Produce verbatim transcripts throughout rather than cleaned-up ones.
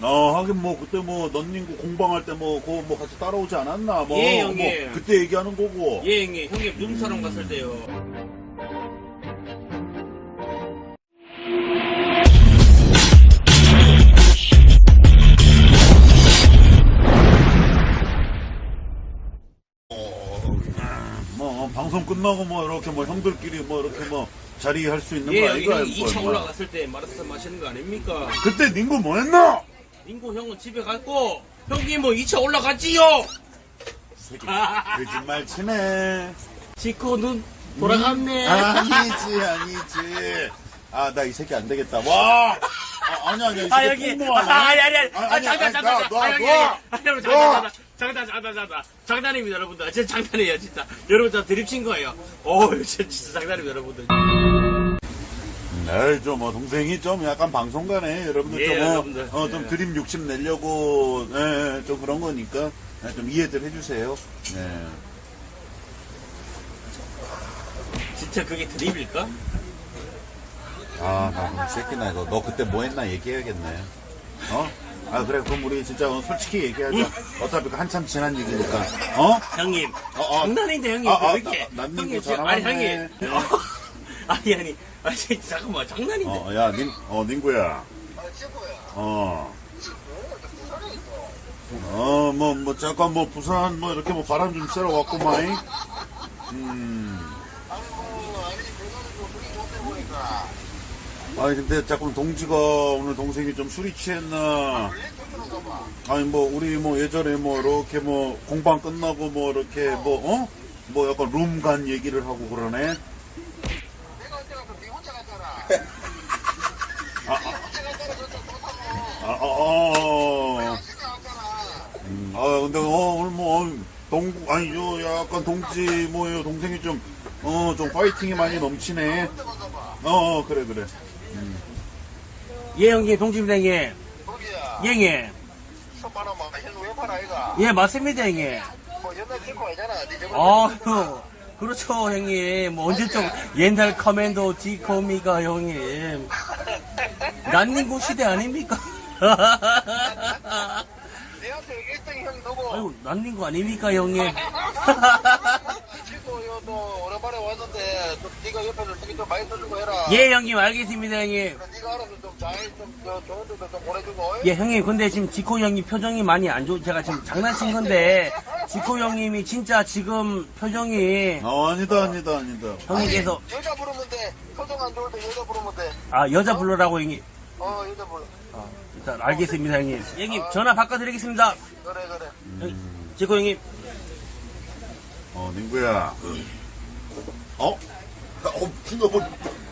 어, 하긴 뭐, 그때 뭐, 넌닝구 공방할 때 뭐, 그거 뭐 같이 따라오지 않았나? 뭐, 예, 형님. 뭐, 그때 얘기하는 거고. 예, 형님. 형님 눈사람 갔을 때요. 뭐, 방송 끝나고 뭐, 이렇게 뭐, 형들끼리 뭐, 이렇게 뭐, 자리할 수 있는 예, 거 형님. 아이가? 형이 이 차 올라갔을 때 말씀 하시는 거 아닙니까? 그때 닝구 뭐 했나? 민구 형은 집에 갔고, 형님 뭐 이 차 올라갔지요? 새끼, 거짓말 치네. 지코 눈 돌아갔네. 아니지, 아니지. 아, 나 이 새끼 안 되겠다. 와! 아, 아니, 아니, 이 새끼 아, 여기. 공모하네. 아, 아니, 아니, 아니. 아니, 아, 아니, 잠깐, 아니, 잠깐. 나, 너, 아, 여기, 너. 여기. 아, 여러분, 너. 장난, 장난, 장난, 장난. 장난입니다, 여러분들. 진짜 장난이에요, 진짜. 여러분, 저 드립 친 거예요. 오, 진짜, 진짜 장난입니다, 여러분들. 에이, 좀, 뭐, 동생이 좀 약간 방송가네. 여러분들 예, 좀, 어, 여러분들. 어, 좀 예. 드림 욕심 내려고, 예, 예, 좀 그런 거니까, 예, 좀 이해들 해주세요. 예. 진짜 그게 드립일까? 아, 나, 이 새끼나, 이거. 너 그때 뭐 했나 얘기해야겠네. 어? 아, 그래. 그럼 우리 진짜 솔직히 얘기하자. 어차피 그 한참 지난 얘기니까. 어? 형님. 어, 어. 장난인데, 형님. 아, 아, 왜 이렇게. 나- 난 형님, 이거 지금- 아니, 잘하네. 형님. 네. 어, 아니, 아니. 아니, 잠깐만. 장난인데. 어, 야, 닌, 어, 닌구야. 어. 어, 뭐, 뭐, 잠깐 뭐, 부산, 뭐, 이렇게 뭐, 바람 좀 쐬러 왔구만. 음. 아니, 근데 자꾸 동지가 오늘 동생이 좀 술이 취했나. 아니, 뭐, 우리 뭐, 예전에 뭐, 이렇게 뭐, 공방 끝나고 뭐, 이렇게 뭐, 어? 뭐, 약간 룸 간 얘기를 하고 그러네. 아, 아, 아, 어. 음, 아, 근데, 어, 오늘 뭐, 어, 동, 아니, 요, 약간 동지, 뭐요, 동생이 좀, 어, 좀 파이팅이 많이 넘치네. 어, 어 그래, 그래. 예, 형님. 동지입니다, 형님. 예, 거기야. 형님. 천만원 막 현우 왜 팔아 이가? 예, 맞습니다, 형님. 뭐 옛날 찍고 아니잖아. 네 저번에 아유, 그렇죠, 형님. 뭐, 언제적 옛날 커맨더 지코미가, 형님. 난닝구 시대 아닙니까? 내한테 일 등 형 누구? 아유, 난닝구 아닙니까, 형님? 친구 너 오랜만에 왔는데 좀 네가 옆에서 되게 좀 많이 써주고 해라. 예, 형님, 알겠습니다, 형님. 네가 알아서 좀잘좀 좋은 데도 좀 보내주고. 예, 형님, 근데 지금 지코 형님 표정이 많이 안 좋, 제가 지금 장난친 건데, 지코 형님이 진짜 지금 표정이, 어, 아니다, 아니다, 아니다. 형님께서, 여자 부르면 돼. 표정 안 좋을 때 여자 부르면 돼. 아, 여자 불러라고, 형님. 어 여자 불러. 아, 일단 알겠습니다, 형님. 형님, 전화 바꿔드리겠습니다. 그래 그래. 형님, 지코 형님. 어, 닝구야. 어? 어, 그거 뭐.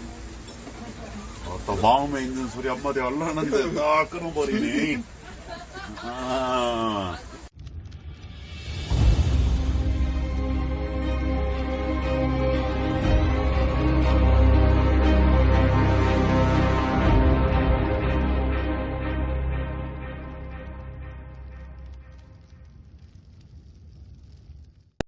어, 또 마음에 있는 소리 한마디 하려는데 다 끊어버리네. 아.